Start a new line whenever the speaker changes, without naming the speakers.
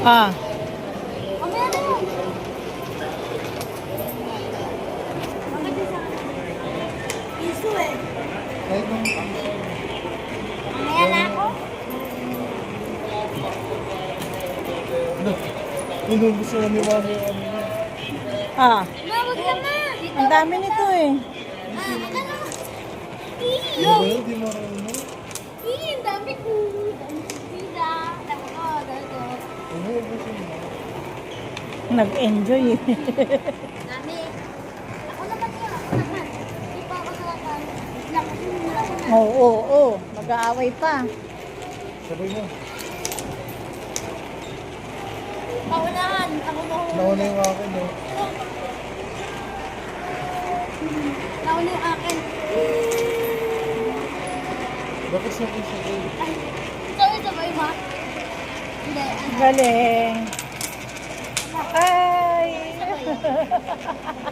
Ah,
Mamaya na yun. Piso eh.
Kahit nung
Mamaya na ako.
inubos na ni Mami yung ano niya.
ah.
Mawag ka na.
Ang dami nito eh.
Aka na.
Ano ba yun? Di marunong.
Ang dami ko. Dami ko pila. Dami ko. Dami ko.
Inubos yun.
Nag-enjoy eh.
Dami. Ako naman yun. Ako naman. Hindi pa ako nalakan. Lang.
Oo, oo, oo. Mag-aaway pa.
Sabay mo.
Paunahan. Ako mahuli.
Nauna yung akin eh.
Nauna yung akin.
Bakit sabay?
Ay. Sabay ba? Hindi.
Galing. Ay!
Sabay.